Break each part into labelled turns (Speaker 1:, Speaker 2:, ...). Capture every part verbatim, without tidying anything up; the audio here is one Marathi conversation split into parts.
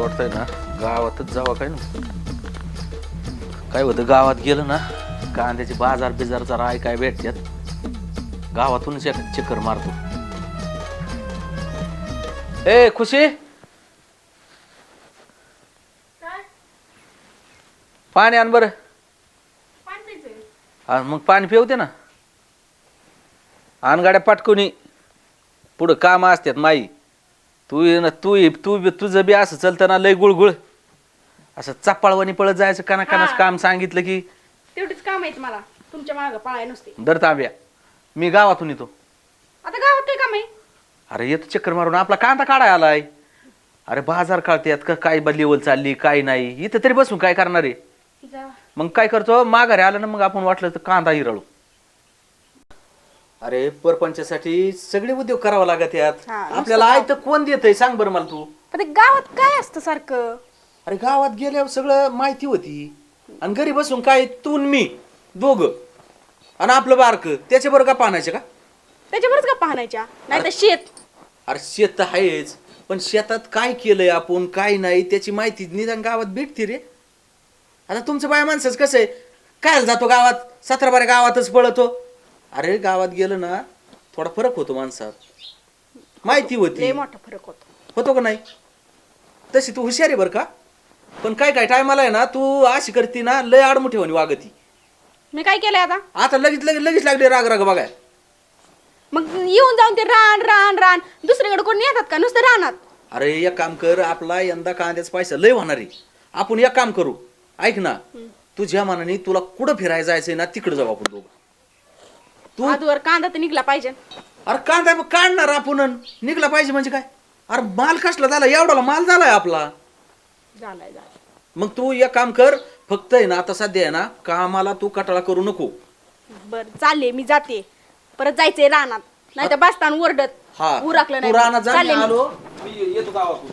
Speaker 1: वाटतंय ना गावातच जावं काय ना काय होतं गावात गेलं ना कांद्याचे बाजार बिजारचा राय काय भेटतात गावातूनच एक चक्कर मारतो. ए खुशी पाणी आण बरं. मग पाणी पिवते ना आण गाड्या पाटकुनी पुढं काम असतात माई. तू ये ना तू ये तू तुझं बी असं चलतं ना लय गुळगुळ असं चप्पाळवानी पळत जायचं काना कानाच काम सांगितलं की
Speaker 2: तेवढीच काम आहेत मला तुमच्या मागं पळाय नुसते.
Speaker 1: दर तांब्या मी गावातून येतो.
Speaker 2: आता गावात काय काम आहे?
Speaker 1: अरे येतो चक्कर मारून आपला कांदा काढाय आलाय. अरे बाजार काढतात का काय लेवल चालली काय नाही इथं तरी बसून काय करणार आहे. मग काय करतो माघारी आलं ना मग आपण वाटलं तर कांदा हिरळू. अरे परपंचासाठी सगळे उद्योग करावा लागत यात आपल्याला आय तर कोण देतय सांग बरं मला तू.
Speaker 2: पण गावात काय असतं सारखं?
Speaker 1: अरे गावात गेल्यावर सगळं माहिती होती आणि घरी बसून काय तू मी दोघ आणि आपलं बारक त्याच्याबरोबर का पाहण्याचे का
Speaker 2: त्याच्यावरच का पाहण्याच्या नाही तर शेत. अरे
Speaker 1: शेत तर आहेच पण शेतात काय केलंय आपण काय नाही त्याची माहिती निदान गावात भेटते रे. आता तुमचं बाया माणसंच कसं आहे काय जातो गावात सतरा बारा गावातच पळतो. अरे गावात गेलं ना थोडा फरक होतो माणसात माहिती होती.
Speaker 2: लय मोठा फरक होतो.
Speaker 1: होतो का नाही? तशी तू हुशार आहे बरं का पण काय काय टायमाला आहे ना तू अशी करती ना लय आडमुठेवानी वागती.
Speaker 2: मी काय केलंय आता?
Speaker 1: आता लगेच लगेच लगेच लागले राग राग बघाय.
Speaker 2: मग येऊन जाऊन ते रान रान रान दुसरीकडे कोणी येतात का नुसतं रानात?
Speaker 1: अरे एक काम कर आपला यंदा कांद्याचा पैसा लय होणार आहे. आपण एक काम करू ऐक ना तुझ्या मनाने तुला कुठं फिरायला जायचंय ना तिकडे जाऊ आपण दोघं.
Speaker 2: तू आजवर कांदा तर निघला पाहिजे.
Speaker 1: अरे कांदा काढणार आपण निघला पाहिजे म्हणजे काय? अरे माल कसला झाला एवढा माल झालाय आपला.
Speaker 2: झालाय झालाय.
Speaker 1: मग तू एक काम कर फक्त आहे ना आता सध्या आहे ना कामाला तू कटाळा करू नको.
Speaker 2: बर चालले मी जाते परत जायचंय रानात नाही तर बसताना ओरडत
Speaker 1: हा
Speaker 2: उरकलं
Speaker 1: तू रानात जा
Speaker 2: चालले
Speaker 1: मी
Speaker 2: मी.
Speaker 1: आलो मी येतो गावातून.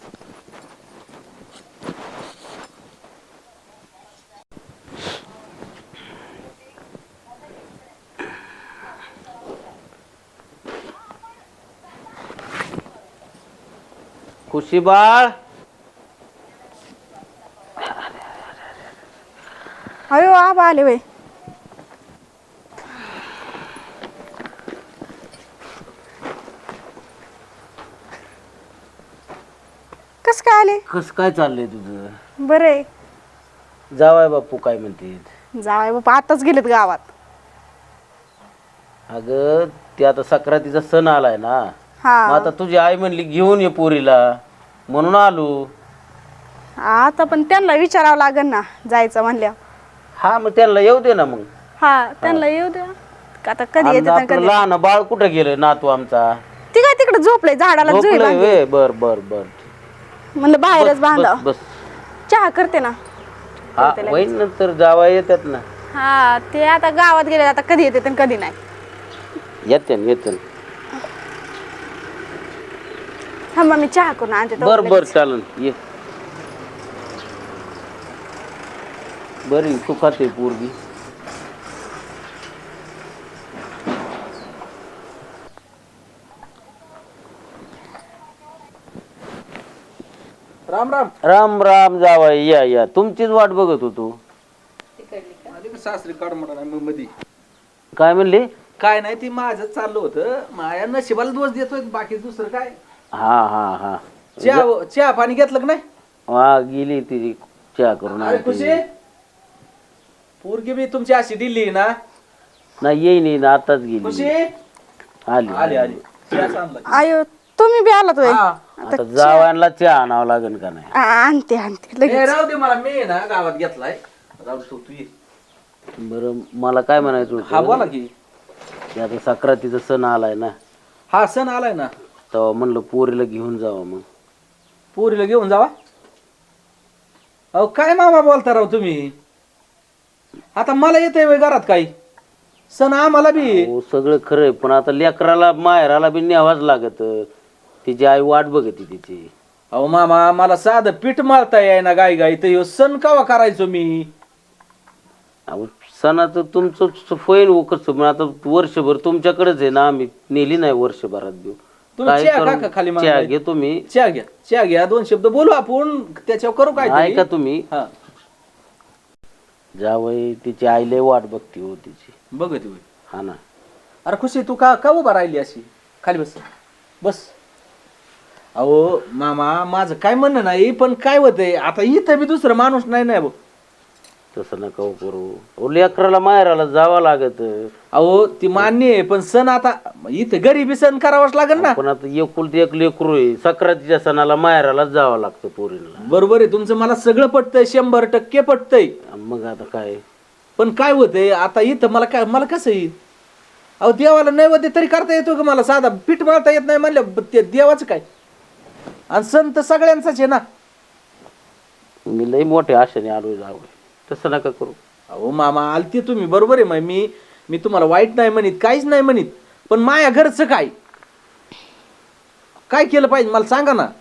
Speaker 1: खुशी बाळ
Speaker 2: अयो आबा आले वय. कस काय आले?
Speaker 3: कस काय चाललंय तुझं?
Speaker 2: बरं आहे.
Speaker 3: जावाय बापू काय म्हणते?
Speaker 2: जावाय बापा आताच गेलेत गावात.
Speaker 3: अगं ते आता सक्रातीचा सण आलाय ना
Speaker 2: हा
Speaker 3: मग आता तुझी आई म्हणली घेऊन ये पोरीला म्हणून आलो.
Speaker 2: आता पण त्यांना विचारावं लागेल ना जायचं म्हणल्यावर.
Speaker 3: हा मग त्यांना येऊ दे ना. मग
Speaker 2: हा त्यांना येऊ द्या आता कधी येते
Speaker 3: आपलं
Speaker 2: कधी.
Speaker 3: लहान बाळ कुठं गेलं नातू आमचा?
Speaker 2: ती काय तिकडे झोपलंय झाडाला जुई
Speaker 3: झोपलंय
Speaker 2: बांधली.
Speaker 3: व्हय? बर बर बर
Speaker 2: म्हणलं बाहेरच बांधा.
Speaker 3: बस
Speaker 2: चहा करते ना.
Speaker 3: हा होईन नंतर जावा येतात ना.
Speaker 2: हा ते आता गावात गेले आता कधी येते आणि कधी नाही.
Speaker 3: येते ना येते
Speaker 2: हा मग मी चहा करून आणते.
Speaker 3: बर बर चालन ये. बरी तू खाते पोरगी.
Speaker 1: राम राम.
Speaker 3: राम राम जावाय या या तुमचीच वाट बघत होतो.
Speaker 1: सासरी काढ म्हणा मग मधी
Speaker 3: काय म्हणले?
Speaker 1: काय नाही ती माझं चाललं होतं माया नशिबाला दोष देतोय बाकी दुसरं काय.
Speaker 3: हा हा हा
Speaker 1: चहा चहा पाणी घेतलं का नाही?
Speaker 3: हा गेली ती चहा करून
Speaker 1: अरे खुशी
Speaker 3: आणली.
Speaker 1: पोरगी बी तुमची अशी दिली ना.
Speaker 3: नाही येईन येईन आताच
Speaker 1: खुशी
Speaker 3: गेली. आली
Speaker 1: आली आली चहा सांगला.
Speaker 2: आयो तुम्ही बी आलात होय.
Speaker 1: हा.
Speaker 3: आता जावायला चहा आणावं लागेल का नाही?
Speaker 2: आ- आणते आणते
Speaker 1: ए,
Speaker 2: लगेच.
Speaker 1: राहू दे मला मी ना गावात घेतलाय राहू दे तू तू ये.
Speaker 3: बरं मला काय म्हणायचं
Speaker 1: हा बोला
Speaker 3: होतं
Speaker 1: की.
Speaker 3: की आता सक्रातीचा सण आलाय ना
Speaker 1: हा सण आलाय ना
Speaker 3: तेव्हा म्हणलं पोरीला घेऊन जावं. मग
Speaker 1: पोरीला घेऊन जावा. अहो काय मामा बोलता राव तुम्ही. आता मला येतंय व्हय घरात काही सण आम्हाला बी.
Speaker 3: हो सगळं खरंय पण आता लेकराला माहेराला बी न्यावाच लागत. तिची आई वाट बघते तिची.
Speaker 1: अहो मामा मला साधं पीठ मारता येई ना गाई गाई तर ह्यो सण कावा करायचो मी.
Speaker 3: अहो सणाचं तुमचं होईन कसं पण आता वर्षभर तुमच्याकडेच आहे ना. आम्ही नेली नाही वर्षभरात देऊ
Speaker 1: तुम्ही
Speaker 3: काय
Speaker 1: चहा
Speaker 3: करू?
Speaker 1: का खाली
Speaker 3: चहा
Speaker 1: मांडा?
Speaker 3: घे तुम्ही.
Speaker 1: चहा घ्या चहा घ्या दोन शब्द बोलू आपण त्याच्यावर करू काय
Speaker 3: ऐका तुम्ही.
Speaker 1: हा
Speaker 3: जावई तिची आई लय वाट बघती हो तिची.
Speaker 1: बघ तू
Speaker 3: हा ना.
Speaker 1: अरे खुशी तू का का उभा राहिली अशी खाली बस बस. अहो मामा माझं काय म्हणणं नाही पण काय होतंय आता इथं बी दुसरं माणूस नाही ना भाऊ.
Speaker 3: तसं नका करू. ओ लेकराला माहेराला जावं लागत.
Speaker 1: अहो ती मान्य आहे पण सण आता इथं गरिबी सण करावाच लागेल ना.
Speaker 3: पण आता एकुलती एक लेकरू आहे. सक्रातीच्या सणाला माहेरालाच जावं लागतं पोरीला.
Speaker 1: बरोबर आहे तुमचं मला सगळं पटतंय शंभर टक्के पटतंय.
Speaker 3: मग आता काय.
Speaker 1: पण काय होतंय आता इथं मला काय मला कसं येईल. अहो देवाला नैवेद्य तरी करता येतो का मला साधा पीठ मळता येत नाही म्हणलं ते देवाचं काय. आणि सण तर सगळ्यांचाच आहे ना.
Speaker 3: मी लई मोठ्या आशेने आलोय जावं. तसं नका करू.
Speaker 1: अहो मामा आलते तुम्ही बरोबर आहे मग मी मी तुम्हाला वाईट नाही म्हणित काहीच नाही म्हणित पण माया घरचं काय काय केलं पाहिजे मला सांगा ना.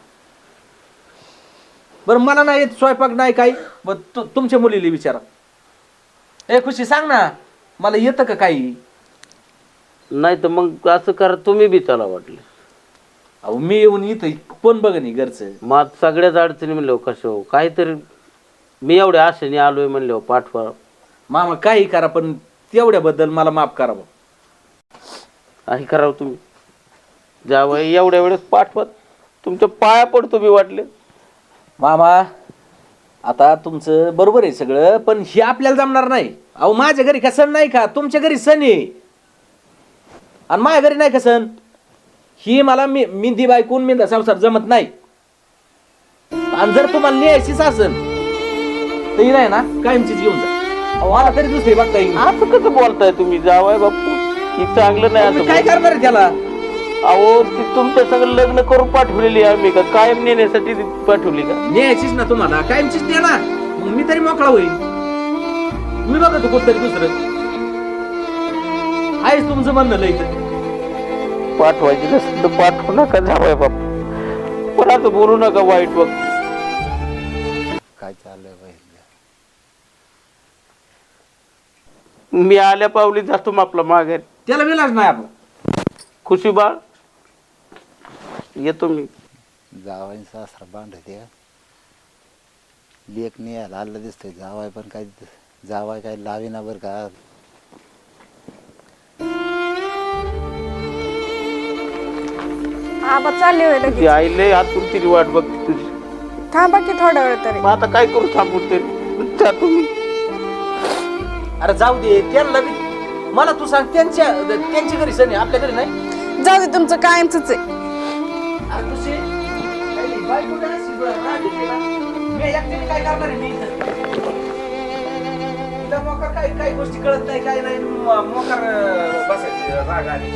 Speaker 1: बरं मला नाही येत स्वयंपाक नाही काही ब तु- तुमच्या मुलीला विचारा. ए खुशी सांग ना मला येतं का काही.
Speaker 3: नाही तर मग असं करा तुम्ही बी चला वाटलं.
Speaker 1: अहो मी येऊन इथं कोण बघ नाही घरचं.
Speaker 3: मग सगळ्याच अडचणी म्हणले कसं काहीतरी मी एवढ्या आशेने आलोय म्हणले पाठवा.
Speaker 1: मामा काही करा पण तेवढ्याबद्दल मला माफ करा बुवा.
Speaker 3: काही करावं तुम्ही. जावं एवढ्या वेळेस पाठवा. तुमच्या पाया पडतो मी वाटले.
Speaker 1: मामा आता तुमचं बरोबर आहे सगळं पण हे आपल्याला जमणार नाही. अहो माझ्या घरी का सण नाही का तुमच्या घरी सण आहे आणि माझ्या घरी नाही का सण. ही मला मी मिंदी बायकून मिंदा संसार जमत नाही. आणि जर तुम्हाला न्यायचीच असेल तर ही नाही ना कायमचीच घेऊन जा. अहो मला तरी दुसरी बघता येईल.
Speaker 3: असं कसं बोलताय तुम्ही जावाय बापू. ही चांगलं नाही
Speaker 1: मी
Speaker 3: असं
Speaker 1: काय
Speaker 3: बोल-
Speaker 1: करणार आहे त्याला.
Speaker 3: अहो ती तुमच्या सगळं लग्न करून पाठवलेली आहे आम्ही का कायम नेण्यासाठी ती पाठवली का.
Speaker 1: न्यायचीच ना तुम्हाला कायमचीच द्या ना मग मी तरी मोकळा होईल. मी बघतो कुठतरी दुसरं आहेच तुमचं म्हणणं लय इथं.
Speaker 3: पाठवायची नसेल तर पाठवू नका जावाय बापू. पण असं बोलू नका वाईट बघ.
Speaker 4: काय चाललंय बाई.
Speaker 3: मी आल्या पावली जातो मग आपला माघारी.
Speaker 1: त्याला विलाज नाही आपला.
Speaker 3: खुशी बाळ येतो मी.
Speaker 4: जावाई सासरा बांधते लेख नाही यायला आलं दिसतंय. जावाय पण काय जावाय काय लावीना बरं का.
Speaker 2: आबा चालले होय
Speaker 3: ती
Speaker 2: लगेच.
Speaker 3: आईले आतून तिची वाट बघते तुझी.
Speaker 2: थांबा की थोडा वेळ तरी.
Speaker 3: मग आता काय करू थांबून तरी जातो मी.
Speaker 1: अरे जाऊ दे त्यांना बी मला तू सांग त्यांच्या त्यांच्या घरी सण आहे आपल्या घरी नाही.
Speaker 2: जाऊ दे तुमचं कायमच आहे.
Speaker 1: अरे तुझे काही बायको काय अशी बरं राग येते ना. मी एकटीने काय करणार आहे मी इथं. तिला मोकार काही काही गोष्टी कळत नाही काय नाही म- मोकार अं, बसायचे राग आले.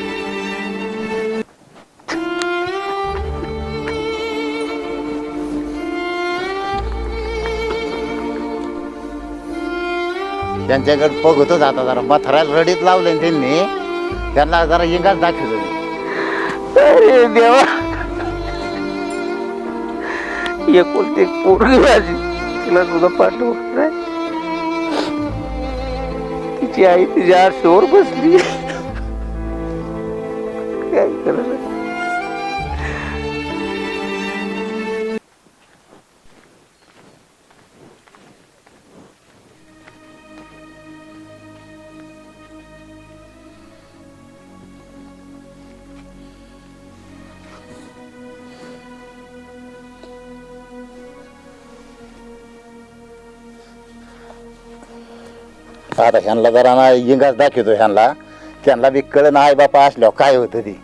Speaker 4: त्यांच्याकडे बघतच आता जरा मथराला रडीत लावले ना त्यांनी. त्यांना जरा इंगाच दाखवलं.
Speaker 3: अरे देवा एकुलती एक पोरगी माझी तिला तुझा पाठव. तिची आई तिच्या आरशावर बसली. काय करायचं.
Speaker 4: आता ह्यांना जरा ना इंगाच दाखवतो ह्यांना. त्यांना बी कळ ना आई बापा असल्यावर काय होतं ती.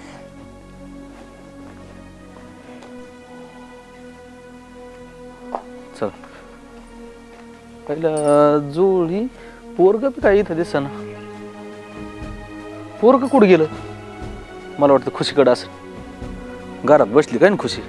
Speaker 1: चल पहिलं जुळी पोरग काय इथं दिस ना. पोरग कुठं गेलं. मला वाटतं खुशीकडं असेल. घरात बसली काय ना खुशी.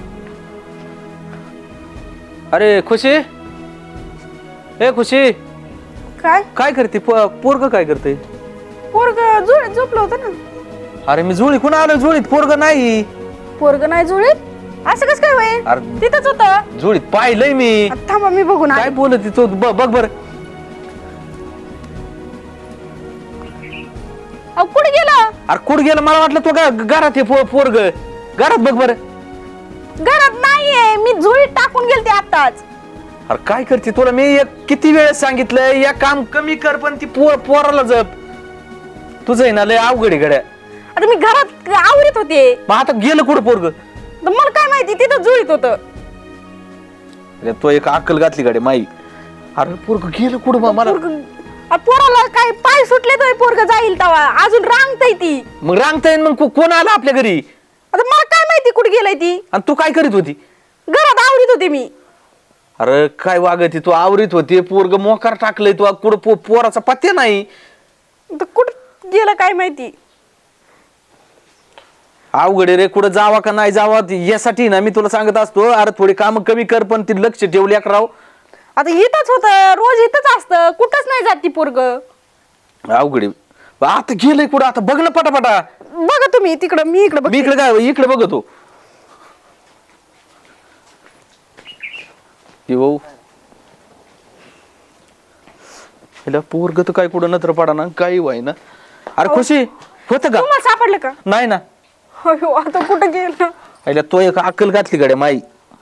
Speaker 1: अरे खुशी ए खुशी
Speaker 2: काय
Speaker 1: काय करते पोरग काय करते.
Speaker 2: पोरग जुळीत झोपलं होतं ना.
Speaker 1: अरे मी जुळी कुणा आलो जुळीत पोरग नाही.
Speaker 2: पोरग नाही जुळीत असं कसं काय होईल.
Speaker 1: अरे
Speaker 2: तिथंच होतं.
Speaker 1: जुळीत पाहिलंय मी.
Speaker 2: आता थांबा मी बघून
Speaker 1: काय
Speaker 2: आले.
Speaker 1: बोलत तो बघ बर.
Speaker 2: अहो कुठे गेला.
Speaker 1: अरे कुठं गेलं मला वाटलं तो का घरात आहे पोरग घरात बघ बरं.
Speaker 2: घरात नाहीये, मी झोळीत टाकून गेलते आताच.
Speaker 1: अरे काय करते तुला मी एक किती वेळेस सांगितलं या काम कमी कर पण ती पोर पोराला जप. तुझं आहे ना लय अवघड आहे गड्या.
Speaker 2: आता मी घरात आवरीत होते,
Speaker 1: मग आता गेलं कुठं पोरग.
Speaker 2: तर मला काय माहिती तिथं झोळीत होतं.
Speaker 1: तो एक अक्कल घातली गाडी माई. अरे पोरग गेलं कुठं बा मला.
Speaker 2: पोरगं- आ, पोराला काय पाय सुटले तर पोरग जाईल तवा, अजून रांगताय ती.
Speaker 1: मग रांगता येईन मग को- कोण आला आपल्या घरी.
Speaker 2: आता मला काय माहिती कुठे गेलाय ती.
Speaker 1: आणि तू काय करीत होती.
Speaker 2: घरात आवरीत होते मी.
Speaker 1: अरे काय वागती तू आवरीत होती पोरग मोकार टाकलंय तू कुठं पो- पोराचा पत्ते नाही.
Speaker 2: तर कुठं गेलं काय माहिती.
Speaker 1: अवघड आहे रे कुठं जावा का नाही जावा यासाठी ना मी तुला सांगत असतो. अरे थोडी काम कमी कर पण ती लक्ष ठेवली राव.
Speaker 2: आता इथंच होत, रोज इथंच असतं, कुठंच नाही जात ती पोरग.
Speaker 1: अवघड आहे. आता गेलंय कुठं आता बघ ना पटापटा.
Speaker 2: बघा तुम्ही तिकडं, मी इकडं
Speaker 1: मी
Speaker 2: बघते.
Speaker 1: इकडे काय इकडे बघतो. भाऊ पोरग तर काय कुठं नत्र पडा ना काही व्हाय ना. अरे खुशी होत का.
Speaker 2: तुम्हाला सापडलं का.
Speaker 1: नाही ना.
Speaker 2: अयो, आता कुठं गेलं.
Speaker 1: अरे तो एक अक्कल घातली गाड्या माई.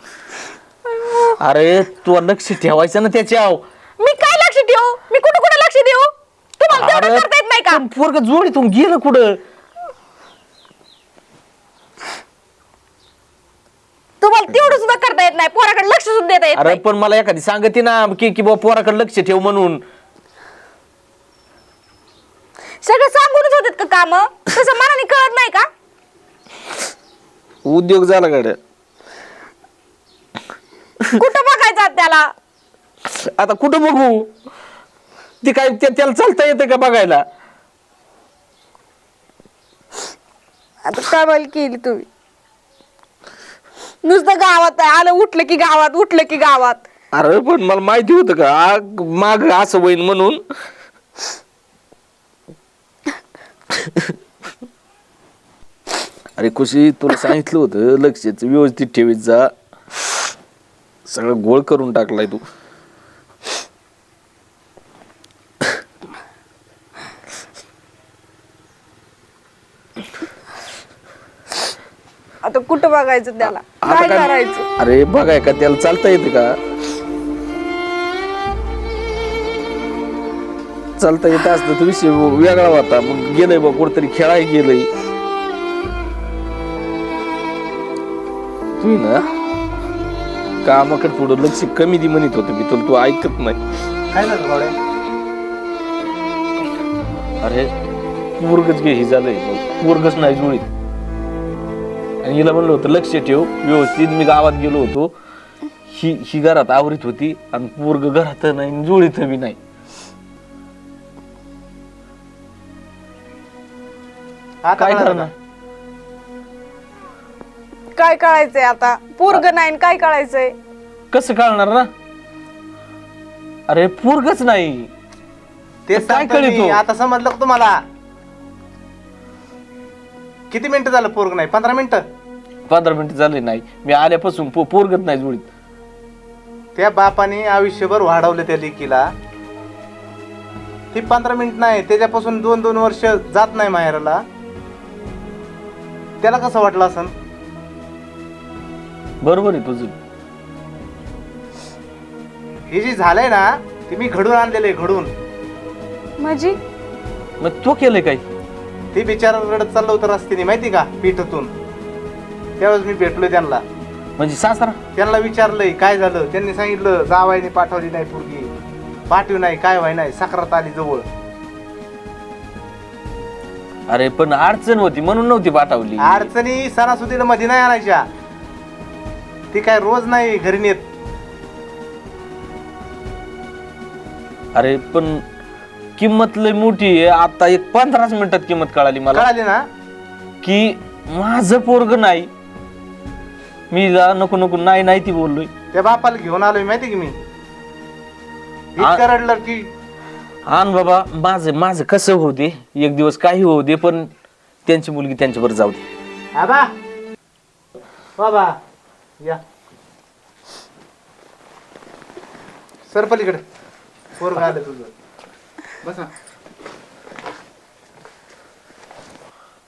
Speaker 1: अरे तू लक्ष ठेवायचं ना त्याच्याव.
Speaker 2: मी काय लक्ष ठेवू, मी कुठं कुठं लक्ष देऊ. तुम्हाला तेवढं करता येत नाही का.
Speaker 1: पोरग जोडीतून गेलं कुठं.
Speaker 2: तुम्हाला तेवढं सुद्धा करता येत नाही, पोराकडे लक्ष सुद्धा देता येत
Speaker 1: अरे
Speaker 2: नाही.
Speaker 1: पण मला एखादी सांगते ना की की बाबा पोराकडे लक्ष ठेव म्हणून.
Speaker 2: सगळं सांगूनच होतात का काम, तसं मनाने कळत नाही का.
Speaker 1: उद्योग झाला गाड्या.
Speaker 2: कुठं बघायचं त्याला.
Speaker 1: आता कुठं बघू. ती काय त्या- त्याला चालता येते का बघायला.
Speaker 2: आता काय बोल केली तुम्ही. नुसतं गावात आहे, आलं उठलं की गावात, उठलं की गावात.
Speaker 1: अरे पण मला माहिती होतं का आ- माग असं होईन म्हणून. अरे खुशी तुला सांगितलं होतं लक्षाचं व्यवस्थित ठेवीत जा. सगळं गोळ करून टाकलाय तू.
Speaker 2: आता कुठं बघायचं त्याला,
Speaker 1: आता
Speaker 2: काय
Speaker 1: काय-
Speaker 2: करायचं.
Speaker 1: अरे बघाय का त्याला चालता येतं का. चालता येत असतं तर विषय वेगळा होता. मग गेलंय बा कुठतरी खेळाय गेलंय. तू ना कामाकडे थोडं लक्ष कमी दे म्हणत होतं मी तुला. तू ऐकत नाही.
Speaker 4: काय झालं गौड्या.
Speaker 1: अरे पोरगच घे ही झालंय. पोरगच नाही जुळीत. आणि हिला म्हणलं होतं लक्ष ठेव व्यवस्थित. मी गावात गेलो होतो. ही ही घरात आवरीत होती आणि पोरग घरात नाही जुळीत बी नाही. काय करणार.
Speaker 2: काय कळायचंय आता, पोरग नाही आणि काय कळायचंय.
Speaker 1: कसं कळणार ना. अरे पोरगच नाही.
Speaker 5: ते
Speaker 1: काय
Speaker 5: सांगतो
Speaker 1: कळतो.
Speaker 5: मी. आता समजलं का तुम्हाला. किती मिनिटं झालं पोरग नाही. पंधरा मिनिटं.
Speaker 1: पंधरा मिनिटं झाले नाही. मी आल्यापासून पो- पोरगच नाही जुळीत.
Speaker 5: त्या बापाने आयुष्यभर वाढवलं त्या लेकीला. ती पंधरा मिनिट नाही, त्याच्यापासून दोन दोन वर्ष जात नाही माहेराला. त्याला कसं वाटलं असं.
Speaker 1: बरोबर आहे तुझं.
Speaker 5: हे जे झालंय ना ते मी घडून आणलेलं आहे. घडून
Speaker 2: माझी
Speaker 1: मग तो केलंय काय.
Speaker 5: ते बिचारा रडत चाललं होतं रस्त्याने माहिती का पीठातून. त्यावेळेस मी भेटलोय त्यांना.
Speaker 1: म्हणजे सासरा.
Speaker 5: त्यांना विचारलंय काय झालं. त्यांनी सांगितलं जावायने पाठवली नाही पोरगी. पाठवी नाही काय व्हाय नाही. साखरात आली जवळ.
Speaker 1: अरे पण अडचण होती म्हणून नव्हती पाठवली.
Speaker 5: अडचणी सणासुदीला मध्ये नाही आणायच्या. ती काय रोज नाही घरी नेत.
Speaker 1: अरे पण किंमत लय मोठी आहे. आता एक पंधराच मिनिटात किंमत कळाली मला
Speaker 5: कळाली ना.
Speaker 1: की माझं पोरग नाही. मी जा नको नको नाही नाही ती बोललोय.
Speaker 5: त्या बापाला घेऊन आलोय माहिती की मी. इतकं रडलं की
Speaker 1: आण बाबा माझं माझं कसं होऊ दे. एक दिवस काही होऊ दे पण त्यांची मुलगी त्यांच्यावर जाऊ दे.
Speaker 5: आबा बाबा या सर पलीकडे. पोरग आलं तुझं. बसा.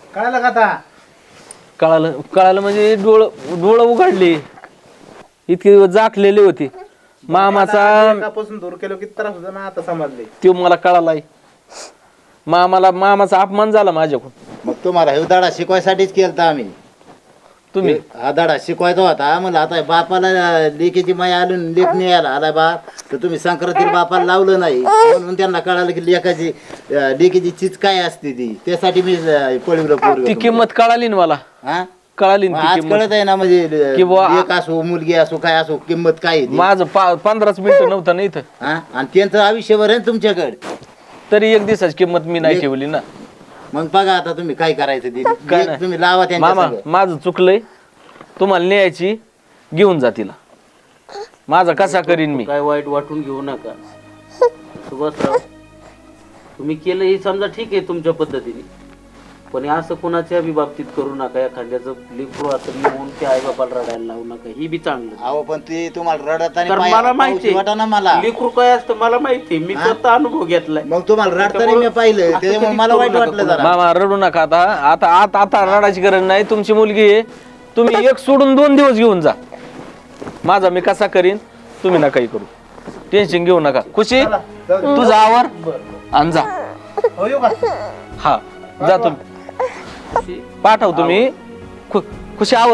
Speaker 5: कळालं का आता?
Speaker 3: कळालं कळालं म्हणजे डोळ डोळं उघडली. इतके दिवस जाखलेले होते. मामाचा
Speaker 5: एकापासून दूर केलो किती त्रास होता ना, आता समजले.
Speaker 3: तो मला कळालाय. मामाला मामाचा अपमान झाला माझ्याकडून.
Speaker 4: मग तुम्हाला हे धडा शिकवायसाठीच केलता आम्ही.
Speaker 3: तुम्ही
Speaker 4: हा धडा शिकवायचा होता. मला आता बापाला लेकीची माया आली लेख नाही आला आला बा, तर तुम्ही संक्रांतीला बापाला लावलं नाही म्हणून त्यांना कळालं की लेखाची लेकीची चीज काय असते ती. त्यासाठी मी पळवलं
Speaker 3: ती
Speaker 4: पोरगं.
Speaker 3: किंमत कळाली ना मला.
Speaker 4: हा
Speaker 3: कळाली
Speaker 4: मग
Speaker 3: ना ती
Speaker 4: आज
Speaker 3: किंमत.
Speaker 4: कळत आहे ना म्हणजे
Speaker 3: की बुवा-
Speaker 4: लेक असो मुलगी असो काय असो किंमत काय आहे ती.
Speaker 3: माझं पा- पंधराच मिनिटं नव्हतं ना इथं.
Speaker 4: हा आणि त्यांचं आयुष्यभर आहे ना तुमच्याकडे.
Speaker 3: तरी एक दिवसाची किंमत मी नाही ठेवली ना.
Speaker 4: मग बघा आता तुम्ही काय करायचं ते.
Speaker 3: काय
Speaker 4: लेक
Speaker 3: नाही.
Speaker 4: तुम्ही लावा त्यांच्या
Speaker 3: मामा
Speaker 4: संग.
Speaker 3: माझं चुकलंय. तुम्हाला न्यायची घेऊन जा तिला. माझा कसा करीन मी.
Speaker 6: काय वाईट वाटून घेऊ नका सुभाषराव. तुम्ही केलं हे समजा ठीक आहे तुमच्या पद्धतीने, पण हे असं कोणाच्या बी बाबतीत करू नका. एखाद्याचं लेकरू असं येऊन ते आई बापाला रडायला लावू नका. ही बी चांगलं.
Speaker 4: अहो पण ते तुम्हाला रडत आणि
Speaker 6: कारण
Speaker 4: पाया-
Speaker 6: मला माहिती
Speaker 4: पाऊशी वाटा ना मला.
Speaker 6: लेकरू काय असतं मला माहिती. मी स्वतः अनुभव घेतलाय.
Speaker 4: मग तुम्हाला रडताना मी पाहिलं
Speaker 6: असं
Speaker 4: त्याच्यामुळे
Speaker 6: कधीच
Speaker 4: मला
Speaker 6: करू
Speaker 4: वाईट
Speaker 6: नका
Speaker 4: वाटलं जरा.
Speaker 3: मामा रडू नका आता. आता आता आता रडायची गरज नाही. तुमची मुलगी आहे. तुम्ही एक सोडून दोन दिवस घेऊन जा. माझा मी कसा करीन तुम्ही नकाही करू. टेन्शन घेऊ नका. खुशी तुझा आवर आणि जा.
Speaker 5: हो येऊ का?
Speaker 3: हा जा तुम्ही. पाठव तुम्ही. खु- खुशी आवर.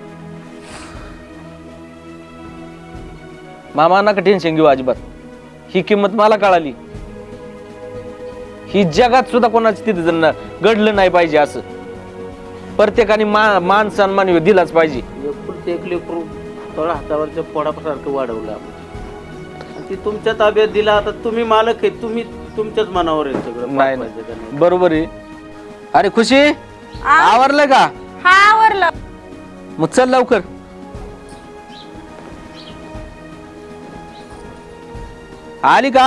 Speaker 3: मामा नका टेन्शन घेऊ अजिबात. ही किंमत मला कळाली. ही जगात सुद्धा कोणाची तिथे जण घडलं नाही पाहिजे असं. प्रत्येकाने मा मान सन्मान दिलाच पाहिजे.
Speaker 6: एकुलते एक लेकरू तळ हातावरच्या पोडासारखं वाढवलं आपण. आणि ती तुमच्या ताब्यात दिला. आता तुम्ही मालक आहे. तुम्ही तुमच्याच मनावर आहे सगळं.
Speaker 3: नाही
Speaker 6: पाहिजे का
Speaker 3: नाही बरोबर आहे. अरे खुशी
Speaker 2: आ?
Speaker 3: आवरलं का?
Speaker 2: हा आवरलं.
Speaker 3: मग चल लवकर. आली का?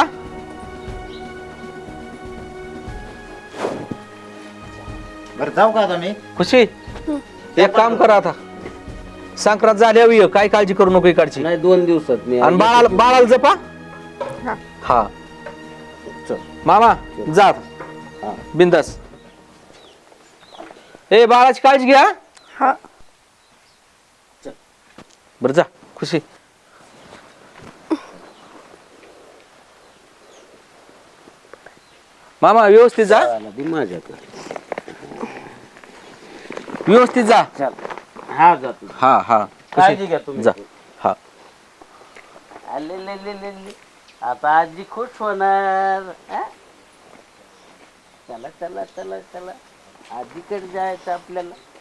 Speaker 4: बरं जाऊ का आता मी.
Speaker 3: खुशी एक काम करा आता. संक्रांत झाल्यावर ये. काय काळजी करू नको इकडची.
Speaker 6: नाही दोन दिवसात मी
Speaker 3: आणि बाळाला बाळाला जपा. हा चल मामा जा बिंदास. ए बाळाची काळजी घ्या.
Speaker 2: हा.
Speaker 3: बर जा खुशी. मामा व्यवस्थित जा.
Speaker 6: माझ्याकडे
Speaker 3: व्यवस्थित जा.
Speaker 6: हा जातो.
Speaker 3: हा हा
Speaker 6: काळजी घ्या तुम्ही.
Speaker 3: जा. हा
Speaker 6: आले ले ले ले ले. आता आजी खुश होणार. हा? चला चला चला चला आजीकडे जायचं आपल्याला.